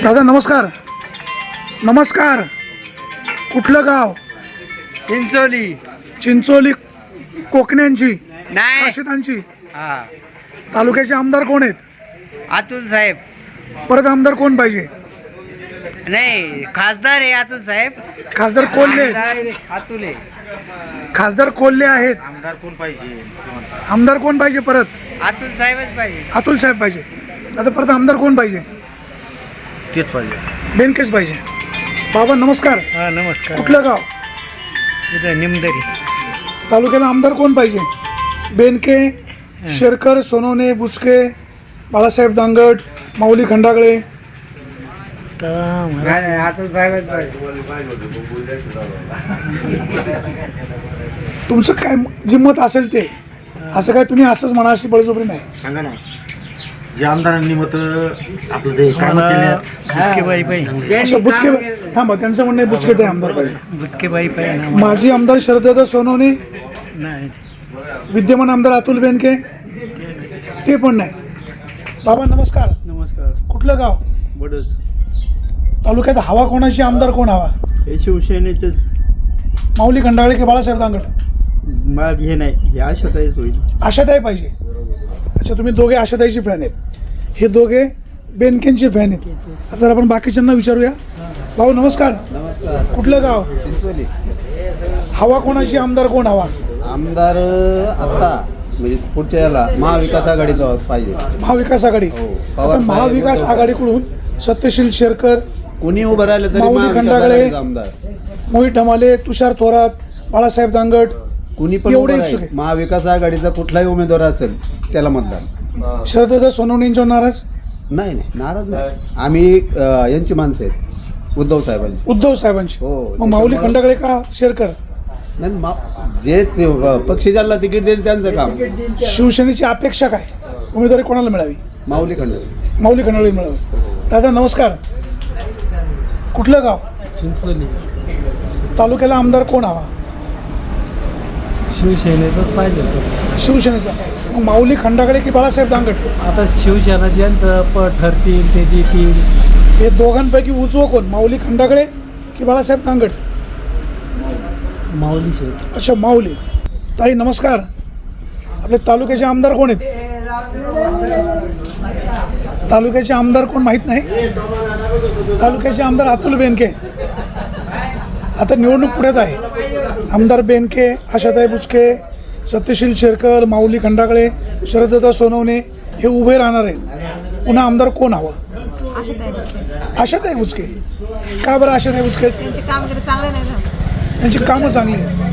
दादा नमस्कार. नमस्कार. कुठलं गाव? चिंचोली. चिंचोली कोकण्यांची नाही. काशिदांची. हा. तालुक्याचे आमदार कोण आहेत? अतुल साहेब. परत आमदार कोण पाहिजे? नाही, खासदार आहे अतुल साहेब. खासदार कोल्हे आहेत. आमदार अतुल आहे. खासदार कोल्हे आहेत. आमदार कोण पाहिजे? आमदार कोण पाहिजे परत? अतुल साहेबच पाहिजे. अतुल साहेब पाहिजे. आता परत आमदार कोण पाहिजे? तेच पाहिजे. बेनकेच पाहिजे. बाबा नमस्कार. हा नमस्कार. कुठलं गाव? इथं निमदरी. तालुक्याला आमदार कोण पाहिजे? बेनके, शेरकर, सोनवणे, बुचके, बाळासाहेब दांगट, माऊली खंडागळे. नाही, अतुल साहेबच पाहिजे. तुमचं काय जिम्मत असेल ते. असं काय तुम्ही असंच म्हणा अशी बळजबरी नाही. सांगा ना, जे आमदारांनी मत आपलं ते काम केले. बुचकेबाई पाहिजे. अच्छा बुचके थांबा, त्यांचं म्हणणं आहे बुचके ते आमदार पाहिजे. बुचकेबाई पाहिजे ना. माजी आमदार शरददादा सोनवणे, नाही विद्यमान आमदार अतुल बेनके ते पण नाही. बाबा नमस्कार. नमस्कार. कुठलं गाव? बडच. तालुक्यात हवा कोणाची? आमदार कोण हवा? हे शिवसेनेचंच. माऊली खंडागळे की बाळासाहेब दांगट? मला हे नाही, हे आशाताईच होईल. आशाताई पाहिजे. अच्छा, तुम्ही दोघे आशाताईचे फॅन आहेत, हे दोघे बेनकेंचे फॅन आहेत. आता जर आपण बाकीच्यांना विचारूया. भाऊ नमस्कार. नमस्कार. कुठलं गाव? चिंचोली. हवा कोणाची? आमदार कोण हवा? आमदार आता म्हणजे पुढच्या याला महाविकास आघाडीचा पाहिजे. महाविकास आघाडी. हो. आता पवार साहेब महाविकास उद्धव आघाडीकडून सत्यशील शेरकर, कोणी उभं राहिलं तरी माऊली महाविकास खंडागळे, आघाडीचा आमदार मोहित ढमाले, तुषार थोरात, बाळासाहेब दांगट कुणी पण एवढे उभं इच्छुक राहील. आहे. महाविकास आघाडीचा कुठलाही उमेदवार असेल त्याला मतदान. शरददादा सोनवणेंच्यावर नाराज? नाही नाही, नाराज नाही. आम्ही यांची माणसं आहेत, उद्धव साहेबांची. उद्धव साहेबांची. हो. मग माऊली खंडागळे का शेरकर? नाही जे ते पक्षी ज्याला तिकीट देईल त्यांचं काम. शिवसेनेची अपेक्षा काय? उमेदवारी कोणाला मिळावी? माऊली खंडागळे. माऊली खंडागळे मिळावी. दादा नमस्कार. कुठलं गाव? चिंचोली. तालुक्याला आमदार कोण हवा? शिवसेनेचंच पाहिजे. शिवसेनेचा. मग माऊली खंडागळे की बाळासाहेब दांगट? आता शिवसेना ज्यांचं ठरतील ते देतील. हे दोघांपैकी उजवं कोण? माऊली खंडागळे की बाळासाहेब दांगट? माऊली शेठ. अच्छा माऊली. ताई नमस्कार. आपले तालुक्याचे आमदार कोण आहेत? तालुक्याचे आमदार कोण माहीत नाही. तालुक्याचे आमदार अतुल बेनके. आता निवडणूक पुढ्यात आहे. आमदार बेनके, आशाताई बुचके, सत्यशील शेरकर, माऊली खंडागळे, शरददादा सोनवणे हे उभे राहणार आहेत. पुन्हा आमदार कोण हवं? आशाताई बुचके. आशाताई बुचके. का बरं आशाताई बुचके? त्यांची कामगिरी चांगली नाही झाली. त्यांची कामं चांगली आहेत.